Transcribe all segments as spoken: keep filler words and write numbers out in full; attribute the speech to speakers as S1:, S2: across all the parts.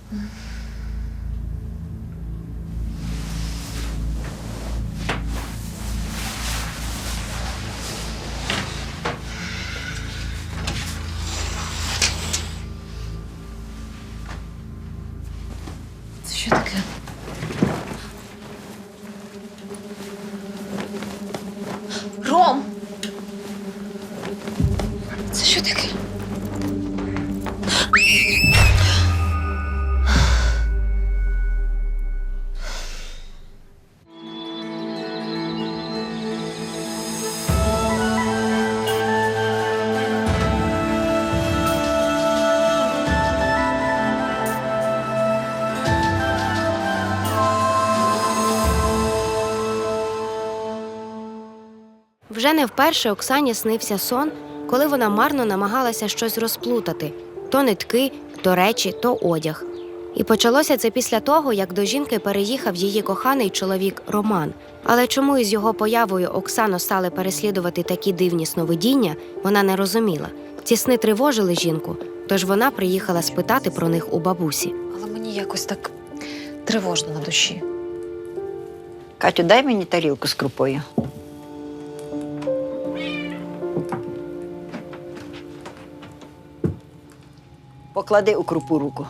S1: Це що таке? Ром! Це що таке?
S2: Вже не вперше Оксані снився сон, коли вона марно намагалася щось розплутати – то нитки, то речі, то одяг. І почалося це після того, як до жінки переїхав її коханий чоловік Роман. Але чому із його появою Оксану стали переслідувати такі дивні сновидіння, вона не розуміла. Ці сни тривожили жінку, тож вона приїхала спитати про них у бабусі.
S1: Але мені якось так тривожно на душі.
S3: Катю, дай мені тарілку з крупою. Поклади у крупу руку.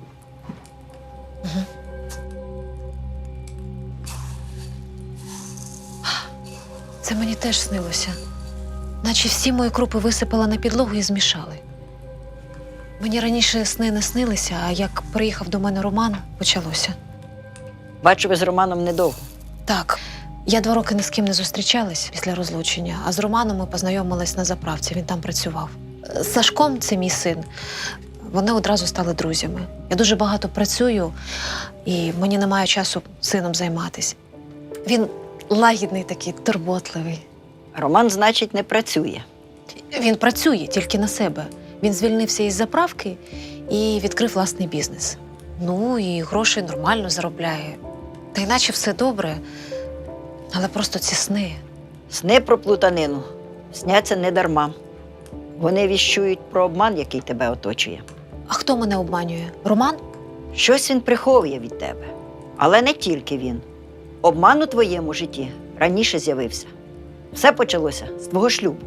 S1: Це мені теж снилося. Наче всі мої крупи висипала на підлогу і змішали. Мені раніше сни не снилися, а як приїхав до мене Роман, почалося.
S3: Бачу, ви з Романом недовго.
S1: Так, я два роки ні з ким не зустрічалась після розлучення, а з Романом ми познайомились на заправці, він там працював. З Сашком, це мій син, вони одразу стали друзями. Я дуже багато працюю, і мені немає часу сином займатися. Він лагідний такий, турботливий.
S3: Роман, значить, не працює.
S1: Він працює тільки на себе. Він звільнився із заправки і відкрив власний бізнес. Ну, і гроші нормально заробляє. Та іначе все добре, але просто ці сни.
S3: Сни про плутанину сняться не дарма. Вони віщують про обман, який тебе оточує.
S1: А хто мене обманює? Роман?
S3: Щось він приховує від тебе. Але не тільки він. Обман у твоєму житті раніше з'явився. Все почалося з твого шлюбу.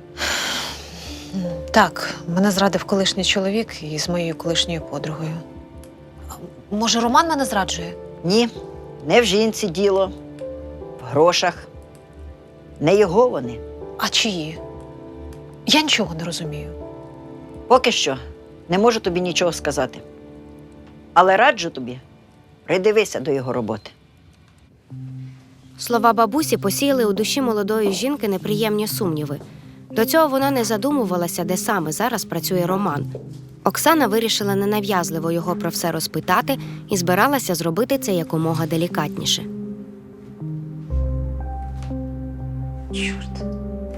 S1: Так, мене зрадив колишній чоловік із моєю колишньою подругою. Може, Роман мене зраджує?
S3: Ні, не в жінці діло, в грошах. Не його вони.
S1: А чиї? Я нічого не розумію.
S3: Поки що не можу тобі нічого сказати. Але раджу тобі, придивися до його роботи.
S2: Слова бабусі посіяли у душі молодої жінки неприємні сумніви. До цього вона не задумувалася, де саме зараз працює Роман. Оксана вирішила ненав'язливо його про все розпитати і збиралася зробити це якомога делікатніше.
S1: Чорт.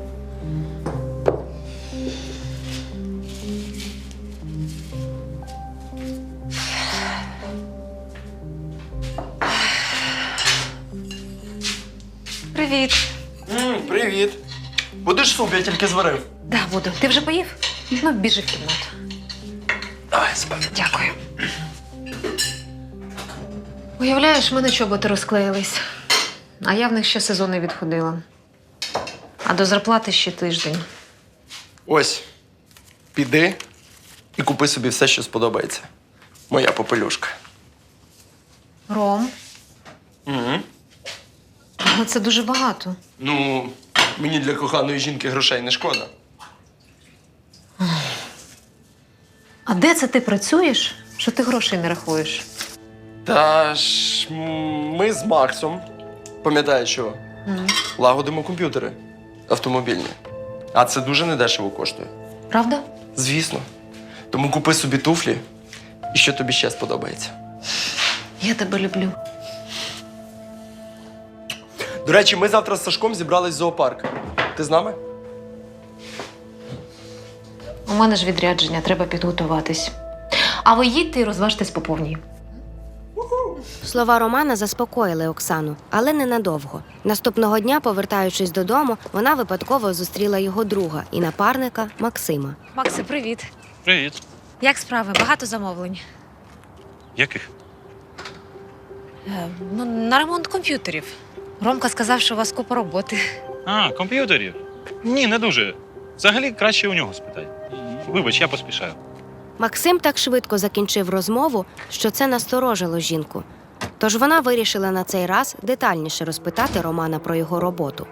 S1: Привіт.
S4: М, привіт. Будеш суп, я тільки зварив.
S1: Да, буду. Ти вже поїв? Ну, біжи в кімнату.
S4: Давай, спати.
S1: Дякую. Уявляєш, в мене чоботи розклеїлись, а я в них ще сезон не відходила. А до зарплати ще тиждень.
S4: Ось, піди і купи собі все, що сподобається. Моя попелюшка.
S1: Ром,
S4: Угу.
S1: але це дуже багато.
S4: Ну, мені для коханої жінки грошей не шкода.
S1: А де це ти працюєш, що ти грошей не рахуєш?
S4: Та ж м, ми з Максом, пам'ятаєш що,
S1: М.
S4: лагодимо комп'ютери автомобільні. А це дуже недешево коштує.
S1: Правда?
S4: Звісно. Тому купи собі туфлі і що тобі ще сподобається.
S1: Я тебе люблю.
S4: До речі, ми завтра з Сашком зібрались в зоопарк. Ти з нами?
S1: У мене ж відрядження, треба підготуватись. А ви їдьте і розважтесь по повній.
S2: Слова Романа заспокоїли Оксану, але ненадовго. Наступного дня, повертаючись додому, вона випадково зустріла його друга і напарника Максима.
S1: Макси, привіт.
S5: Привіт.
S1: Як справи? Багато замовлень?
S5: Яких?
S1: Е, ну, на ремонт комп'ютерів. Ромка сказав, що у вас купа роботи.
S5: А, комп'ютерів? Ні, не дуже. Взагалі краще у нього спитай. Вибач, я поспішаю.
S2: Максим так швидко закінчив розмову, що це насторожило жінку. Тож вона вирішила на цей раз детальніше розпитати Романа про його роботу.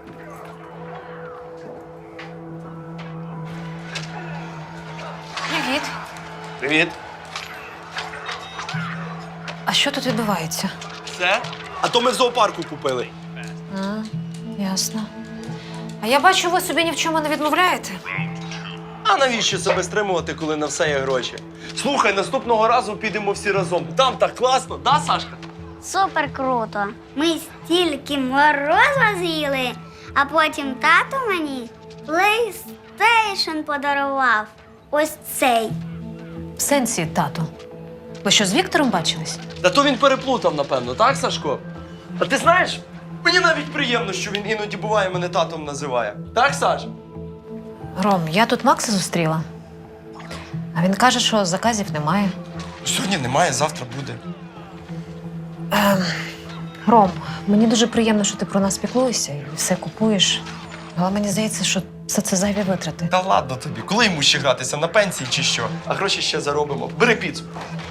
S1: Привіт.
S4: Привіт.
S1: А що тут відбувається?
S4: Все? А то ми в зоопарку купили.
S1: А, ясно. А я бачу, ви собі ні в чому не відмовляєте.
S4: А навіщо себе стримувати, коли на все є гроші? Слухай, наступного разу підемо всі разом. Там так класно, да, Сашка?
S6: Супер круто. Ми стільки морозива з'їли, а потім тато мені PlayStation подарував. Ось цей.
S1: В сенсі, тату. Ви що, з Віктором бачились?
S4: Та то він переплутав, напевно, так, Сашко? А ти знаєш, мені навіть приємно, що він іноді буває мене татом називає. Так, Саш?
S1: Ром, я тут Макса зустріла. А він каже, що заказів немає.
S4: Сьогодні немає, завтра буде.
S1: Ем, Ром, мені дуже приємно, що ти про нас піклуєшся і все купуєш. Але мені здається, що все це зайві витрати.
S4: Та ладно тобі, коли йому ще гратися, на пенсії чи що? А гроші ще заробимо. Бери піцу.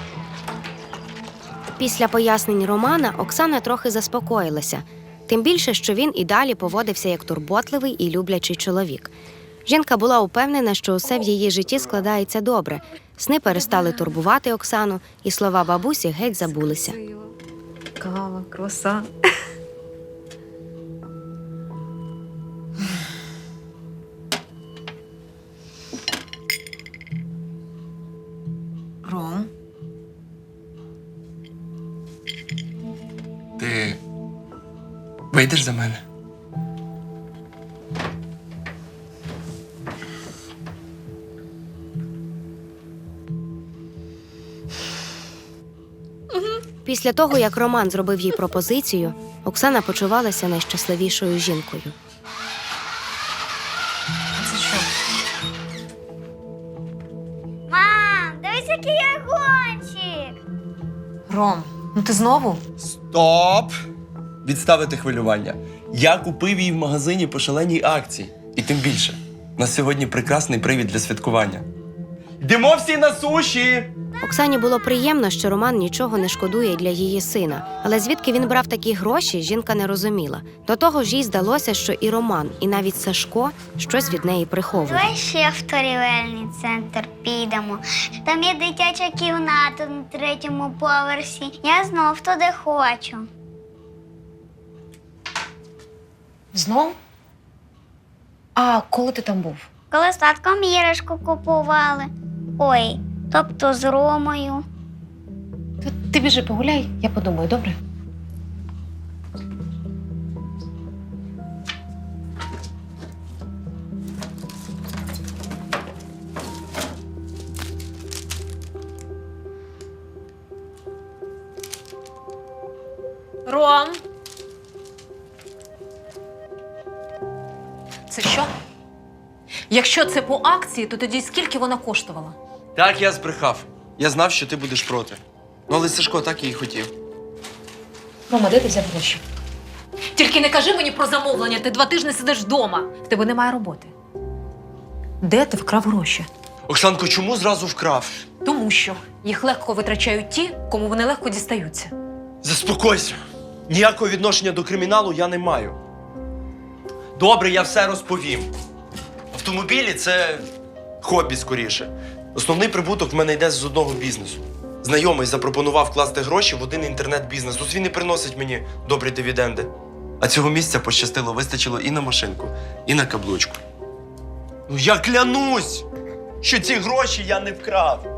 S2: Після пояснень Романа Оксана трохи заспокоїлася. Тим більше, що він і далі поводився як турботливий і люблячий чоловік. Жінка була упевнена, що усе в її житті складається добре. Сни перестали турбувати Оксану, і слова бабусі геть забулися.
S1: Кава, круасан. Ром,
S4: Ти вийдеш за мене?
S2: Після того, як Роман зробив їй пропозицію, Оксана почувалася найщасливішою жінкою.
S1: це що?
S6: Мам, дивись, який я гонщик.
S1: Ром, ну ти знову?
S4: Стоп! Відставити хвилювання. Я купив її в магазині по шаленій акції. І тим більше, у нас сьогодні прекрасний привід для святкування. Йдемо всі на суші!
S2: Оксані було приємно, що Роман нічого не шкодує для її сина. Але звідки він брав такі гроші, жінка не розуміла. До того ж, їй здалося, що і Роман, і навіть Сашко щось від неї приховують.
S6: Давай ще в торгівельний центр підемо. Там є дитяча кімната на третьому поверсі. Я знов туди хочу.
S1: Знов? А коли ти там був?
S6: Коли з татком іграшку купували. Ой, тобто з Ромою.
S1: Ти, ти біжи погуляй, я подумаю, добре? Ром! Це що? Якщо це по акції, то тоді скільки вона коштувала?
S4: Так, я збрехав. Я знав, що ти будеш проти. Ну, але Сашко так і хотів.
S1: Рома, де ти взяв гроші? Тільки не кажи мені про замовлення, ти два тижні сидиш вдома. В тебе немає роботи. Де ти вкрав гроші?
S4: Оксанко, чому зразу вкрав?
S1: Тому що їх легко витрачають ті, кому вони легко дістаються.
S4: Заспокойся. Ніякого відношення до криміналу я не маю. Добре, я все розповім. Автомобілі – це хобі скоріше. Основний прибуток в мене йде з одного бізнесу. Знайомий запропонував вкласти гроші в один інтернет-бізнес. Ось він і приносить мені добрі дивіденди. А цього місця пощастило, вистачило і на машинку, і на каблучку. Ну я клянусь, що ці гроші я не вкрав.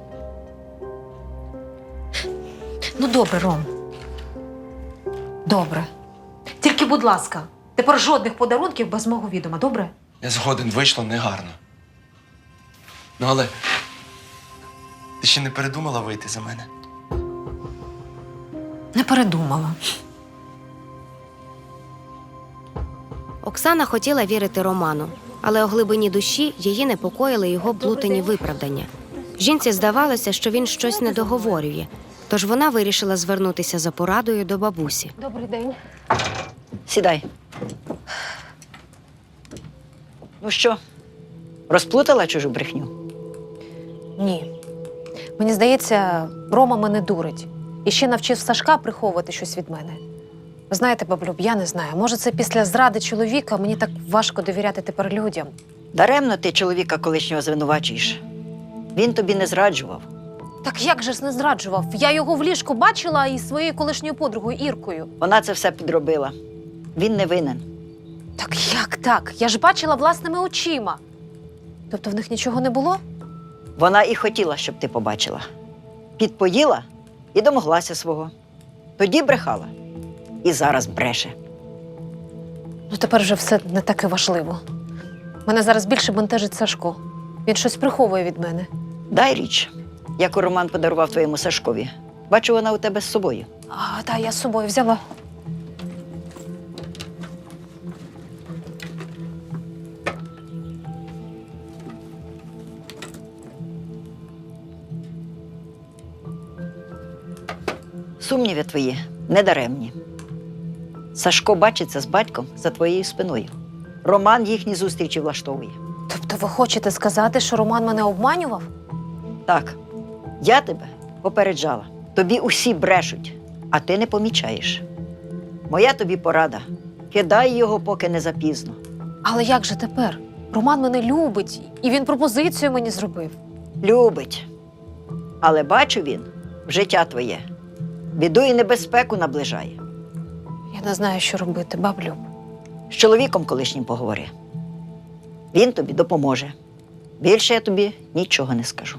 S1: Ну, добре, Ром. Добре. Тільки, будь ласка, тепер жодних подарунків без мого відома, добре?
S4: Я згоден, вийшло негарно. Ну, але ти ще не передумала вийти за мене?
S1: Не передумала.
S2: Оксана хотіла вірити Роману, але у глибині душі її непокоїли його блутані виправдання. Жінці здавалося, що він щось не договорює. Тож вона вирішила звернутися за порадою до бабусі.
S1: Добрий день.
S3: Сідай. Ну що, розплутала чужу брехню?
S1: Ні. Мені здається, Рома мене дурить. І ще навчив Сашка приховувати щось від мене. Ви знаєте, баблюб, я не знаю. Може, це після зради чоловіка мені так важко довіряти тепер людям.
S3: Даремно ти чоловіка колишнього звинувачуєш. Він тобі не зраджував.
S1: Так як же ж не зраджував? Я його в ліжку бачила із своєю колишньою подругою Іркою.
S3: Вона це все підробила. Він не винен.
S1: Так як так? Я ж бачила власними очима. Тобто в них нічого не було?
S3: Вона і хотіла, щоб ти побачила. Підпоїла і домоглася свого. Тоді брехала. І зараз бреше.
S1: Ну тепер вже все не таке важливо. Мене зараз більше бентежить Сашко. Він щось приховує від мене.
S3: Дай річ, яку Роман подарував твоєму Сашкові. Бачу, вона у тебе з собою.
S1: А, так, я з собою взяла.
S3: Сумніви твої недаремні. Сашко бачиться з батьком за твоєю спиною. Роман їхні зустрічі влаштовує.
S1: Тобто ви хочете сказати, що Роман мене обманював?
S3: Так, я тебе попереджала. Тобі усі брешуть, а ти не помічаєш. Моя тобі порада. Кидай його, поки не запізно.
S1: Але як же тепер? Роман мене любить, і він пропозицію мені зробив.
S3: Любить. Але бачу він в життя твоє. Біду і небезпеку наближає.
S1: Я не знаю, що робити, баблюб.
S3: З чоловіком колишнім поговори. Він тобі допоможе. Більше я тобі нічого не скажу.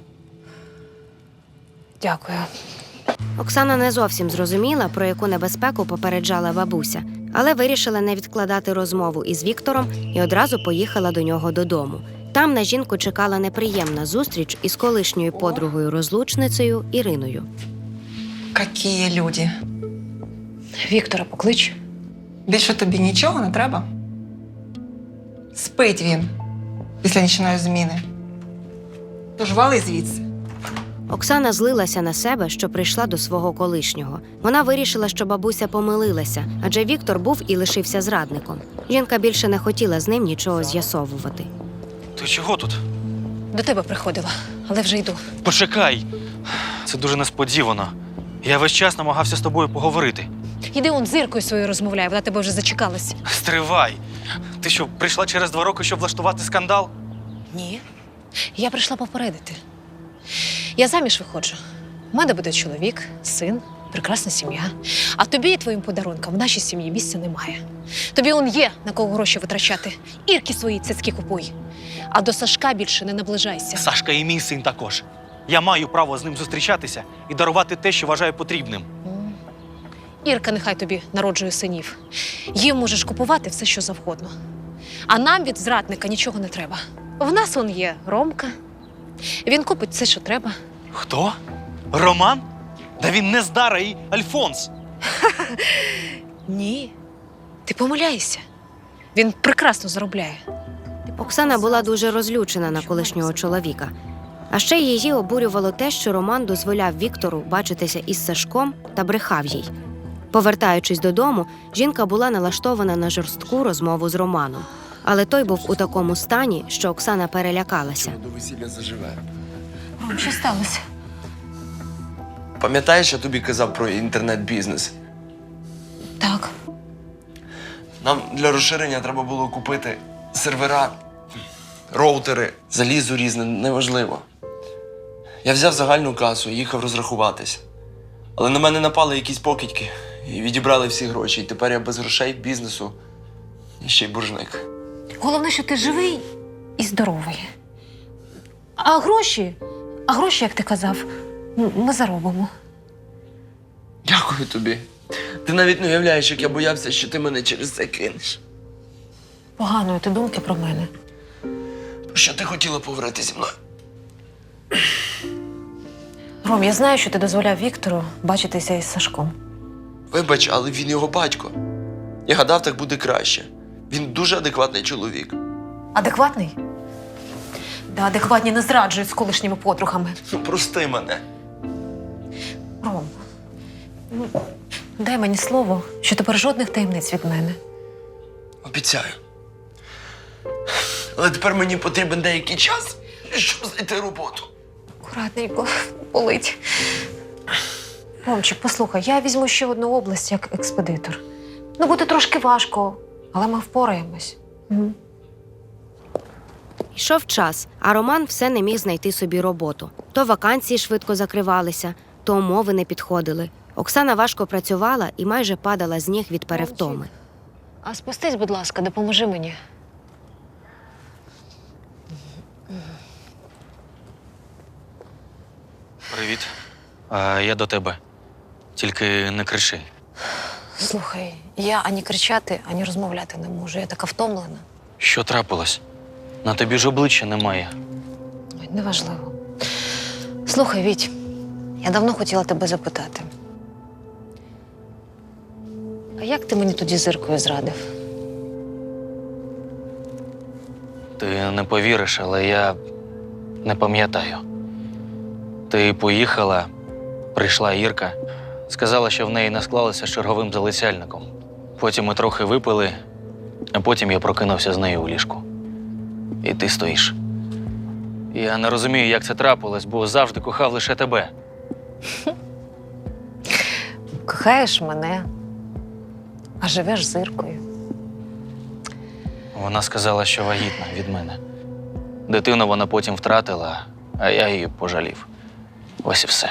S1: Дякую.
S2: Оксана не зовсім зрозуміла, про яку небезпеку попереджала бабуся, але вирішила не відкладати розмову із Віктором і одразу поїхала до нього додому. Там на жінку чекала неприємна зустріч із колишньою подругою-розлучницею Іриною.
S7: Какие люди.
S1: Віктора поклич.
S7: Більше тобі нічого не треба? Спить він після нічної зміни. Тож вали звідси.
S2: Оксана злилася на себе, що прийшла до свого колишнього. Вона вирішила, що бабуся помилилася, адже Віктор був і лишився зрадником. Жінка більше не хотіла з ним нічого з'ясовувати.
S5: Ти чого тут?
S1: До тебе приходила, але вже йду.
S5: Почекай. Це дуже несподівано. Я весь час намагався з тобою поговорити.
S1: Іди он з Іркою своєю розмовляй, вона тебе вже зачекалась.
S5: Стривай. Ти що, прийшла через два роки, щоб влаштувати скандал?
S1: Ні. Я прийшла попередити. Я заміж виходжу. У мене буде чоловік, син, прекрасна сім'я. А тобі і твоїм подарункам в нашій сім'ї місця немає. Тобі он є на кого гроші витрачати. Ірки свої цяцькі купуй. А до Сашка більше не наближайся.
S5: Сашка і мій син також. Я маю право з ним зустрічатися і дарувати те, що вважаю потрібним.
S1: М. Ірка нехай тобі народжує синів. Їм можеш купувати все, що завгодно. А нам від зрадника нічого не треба. В нас он є Ромка. Він купить все, що треба.
S5: Хто? Роман? Да він не Здара і Альфонс.
S1: Ні. Ти помиляєшся. Він прекрасно заробляє.
S2: Оксана була дуже розлючена на колишнього чоловіка. А ще її обурювало те, що Роман дозволяв Віктору бачитися із Сашком та брехав їй. Повертаючись додому, жінка була налаштована на жорстку розмову з Романом. Але той був у такому стані, що Оксана перелякалася.
S8: До весілля заживе.
S1: Ром, що сталося?
S4: Пам'ятаєш, я тобі казав про інтернет-бізнес?
S1: Так.
S4: Нам для розширення треба було купити сервера, роутери, залізо різне, неважливо. Я взяв загальну касу і їхав розрахуватись. Але на мене напали якісь покидьки і відібрали всі гроші. І тепер я без грошей, бізнесу і ще й боржник.
S1: Головне, що ти живий і здоровий. А гроші? А гроші, як ти казав, м- ми заробимо.
S4: Дякую тобі. Ти навіть не уявляєш, як я боявся, що ти мене через це кинеш.
S1: Поганої ти думки про мене.
S4: Про що ти хотіла поговорити зі мною?
S1: Ром, я знаю, що ти дозволяв Віктору бачитися із Сашком.
S4: Вибач, але він його батько. Я гадав, так буде краще. Він дуже адекватний чоловік.
S1: Адекватний? Да, адекватні не зраджують з колишніми подругами.
S4: Ну, прости мене.
S1: Ром, Дай мені слово, що тепер жодних таємниць від мене.
S4: Обіцяю. Але тепер мені потрібен деякий час, щоб знайти роботу.
S1: Акуратненько, болить. Ромчик, послухай, я візьму ще одну область як експедитор. Ну, буде трошки важко, але ми впораємось. Угу.
S2: Йшов час, а Роман все не міг знайти собі роботу. То вакансії швидко закривалися, то умови не підходили. Оксана важко працювала і майже падала з ніг від перевтоми.
S1: А спустись, будь ласка, допоможи мені.
S8: Привіт. А, я до тебе. Тільки не кричи.
S1: Слухай, я ані кричати, ані розмовляти не можу. Я така втомлена.
S8: Що трапилось? На тобі ж обличчя немає.
S1: Ой, неважливо. Слухай, Віть, я давно хотіла тебе запитати. А як ти мені тоді з Іркою зрадив?
S8: Ти не повіриш, але я не пам'ятаю. Ти поїхала, прийшла Ірка, сказала, що в неї не склалося з черговим залицяльником. Потім ми трохи випили, а потім я прокинувся з нею у ліжку. І ти стоїш. Я не розумію, як це трапилось, бо завжди кохав лише тебе.
S1: Кохаєш мене, а живеш з Іркою.
S8: Вона сказала, що вагітна від мене. Дитину вона потім втратила, а я її пожалів. Ось і все.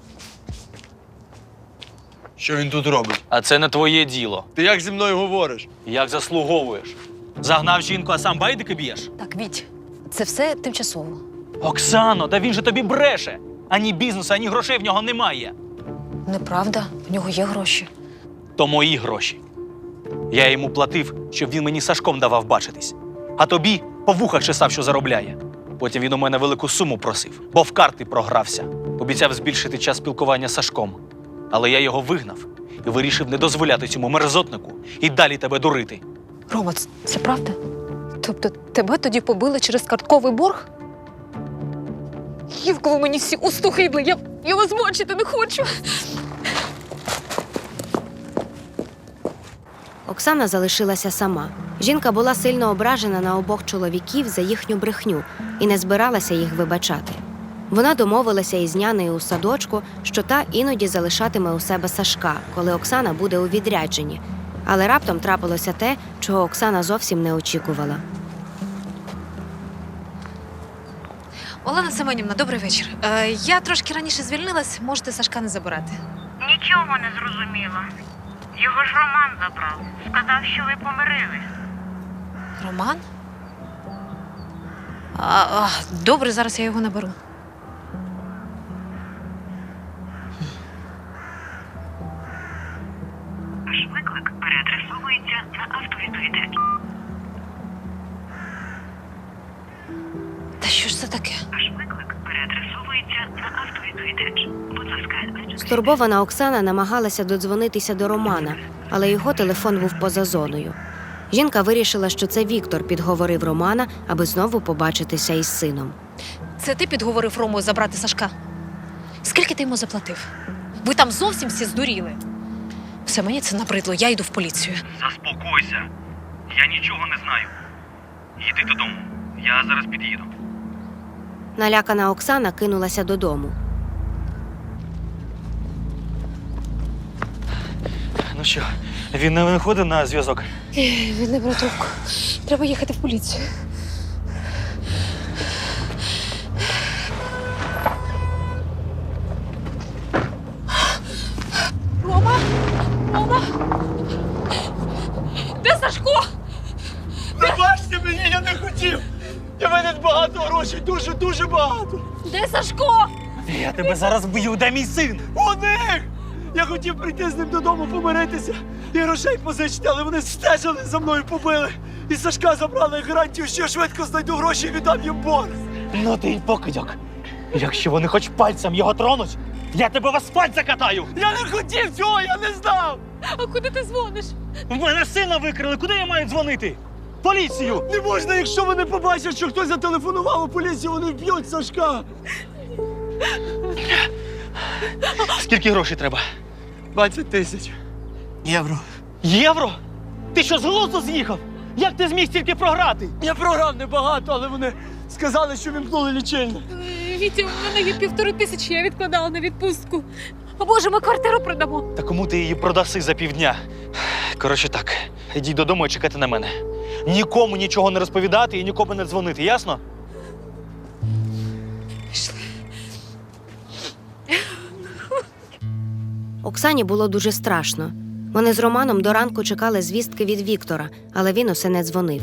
S4: Що він тут робить?
S8: А це не твоє діло.
S4: Ти як зі мною говориш?
S8: Як заслуговуєш? Загнав жінку, а сам байдики б'єш?
S1: Так, Віть, це все тимчасово.
S8: Оксано, та він же тобі бреше! Ані бізнесу, ані грошей в нього немає.
S1: Неправда, в нього є гроші.
S8: То мої гроші. Я йому платив, щоб він мені Сашком давав бачитись. А тобі по вухах чесав, що заробляє. Потім він у мене велику суму просив, бо в карти програвся. Обіцяв збільшити час спілкування з Сашком. Але я його вигнав і вирішив не дозволяти цьому мерзотнику і далі тебе дурити.
S1: Рома, це, це правда? Тобто тебе тоді побили через картковий борг? Гівко, ви мені всі устухидли, я, я вас бачити не хочу.
S2: Оксана залишилася сама. Жінка була сильно ображена на обох чоловіків за їхню брехню і не збиралася їх вибачати. Вона домовилася із нянею у садочку, що та іноді залишатиме у себе Сашка, коли Оксана буде у відрядженні. Але раптом трапилося те, чого Оксана зовсім не очікувала.
S1: Олена Семенівна, добрий вечір. Е, я трошки раніше звільнилась, можете Сашка не забирати.
S9: Нічого не зрозуміла. Його ж Роман забрав. Сказав, що ви помирились.
S1: Роман? А, а, добре, зараз я його наберу.
S9: Ваш виклик переадресовується на автовідповідач.
S1: Та що ж це таке?
S9: Ваш виклик переадресовується на автовідповідач. Будь ласка,
S2: Стурбована Оксана намагалася додзвонитися до Романа, але його телефон був поза зоною. Жінка вирішила, що це Віктор підговорив Романа, аби знову побачитися із сином.
S1: Це ти підговорив Рому забрати Сашка? Скільки ти йому заплатив? Ви там зовсім всі здуріли. Все, мені це набридло, я йду в поліцію.
S5: Заспокойся. Я нічого не знаю. Їди додому. Я зараз під'їду.
S2: Налякана Оксана кинулася додому.
S8: Ну що, він не виходить на зв'язок?
S1: Він не бере трубку. Треба їхати в поліцію. Рома! Рома! Де Сашко?
S4: Не бачите мені, я не хотів! Я мене багато грошей, дуже-дуже багато!
S1: Де Сашко?
S8: Я тебе зараз вб'ю, де мій син?
S4: У них! Я хотів прийти з ним додому помиритися і грошей позичити, але вони стежили за мною, побили. І Сашка забрали гарантію, що я швидко знайду гроші і віддам їм борг.
S8: Ну ти й покидьок. Якщо вони хоч пальцем його тронуть, я тебе в асфальт закатаю!
S4: Я не хотів цього, я не знав!
S1: А куди ти дзвониш?
S8: В мене сина викрили, куди я маю дзвонити? Поліцію!
S4: Не можна, якщо вони побачать, що хтось зателефонував у поліцію, вони вб'ють Сашка.
S8: Скільки грошей треба?
S4: двадцять тисяч.
S10: Євро. Євро? Ти що, з глузду з'їхав? Як ти зміг стільки програти?
S4: Я програв небагато, але вони сказали, що вімкнули лічильник.
S11: Вітя, у мене є півтори тисячі, я відкладала на відпустку. А може, ми квартиру продамо?
S10: Та кому ти її продаси за півдня? Коротше так, ідіть додому і чекайте на мене. Нікому нічого не розповідати і нікому не дзвонити, ясно?
S2: Оксані було дуже страшно. Вони з Романом до ранку чекали звістки від Віктора, але він усе не дзвонив.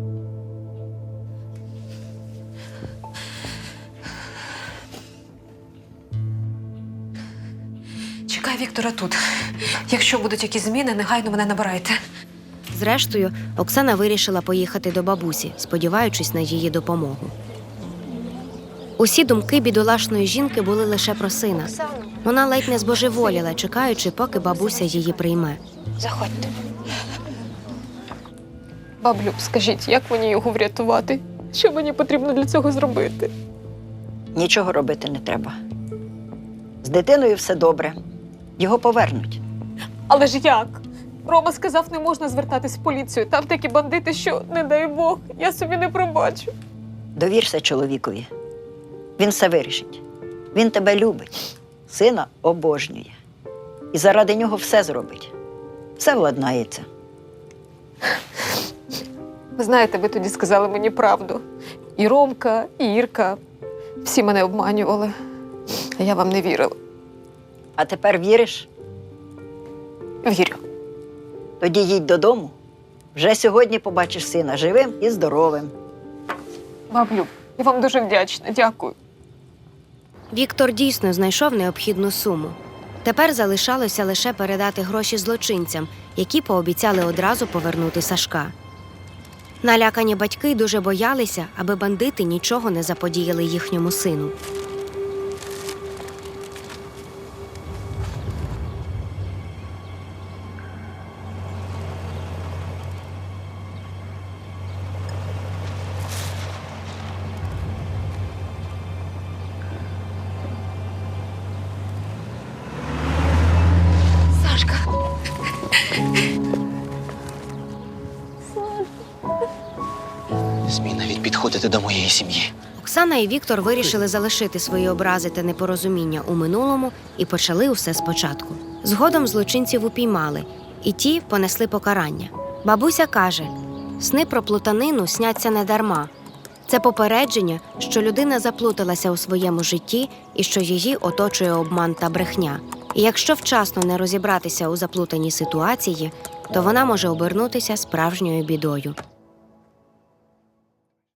S1: Чекай Віктора тут. Якщо будуть якісь зміни, негайно мене набирайте.
S2: Зрештою, Оксана вирішила поїхати до бабусі, сподіваючись на її допомогу. Усі думки бідолашної жінки були лише про сина. Вона ледь не збожеволіла, чекаючи, поки бабуся її прийме.
S1: Заходьте.
S11: Баблю, скажіть, як мені його врятувати? Що мені потрібно для цього зробити?
S3: Нічого робити не треба. З дитиною все добре. Його повернуть.
S11: Але ж як? Рома сказав, не можна звертатись в поліцію. Там такі бандити, що, не дай Бог, я собі не пробачу.
S3: Довірся чоловікові. Він все вирішить. Він тебе любить, сина обожнює. І заради нього все зробить. Все владнається.
S11: Ви знаєте, ви тоді сказали мені правду. І Ромка, і Ірка. Всі мене обманювали. А я вам не вірила.
S3: А тепер віриш?
S11: Вірю.
S3: Тоді їдь додому. Вже сьогодні побачиш сина живим і здоровим.
S11: Баблю, я вам дуже вдячна. Дякую.
S2: Віктор дійсно знайшов необхідну суму. Тепер залишалося лише передати гроші злочинцям, які пообіцяли одразу повернути Сашка. Налякані батьки дуже боялися, аби бандити нічого не заподіяли їхньому сину.
S1: Сашка.
S8: Смій навіть підходити до моєї сім'ї.
S2: Оксана і Віктор вирішили залишити свої образи та непорозуміння у минулому і почали усе спочатку. Згодом злочинців упіймали, і ті понесли покарання. Бабуся каже, сни про плутанину сняться не дарма. Це попередження, що людина заплуталася у своєму житті і що її оточує обман та брехня. І якщо вчасно не розібратися у заплутаній ситуації, то вона може обернутися справжньою бідою.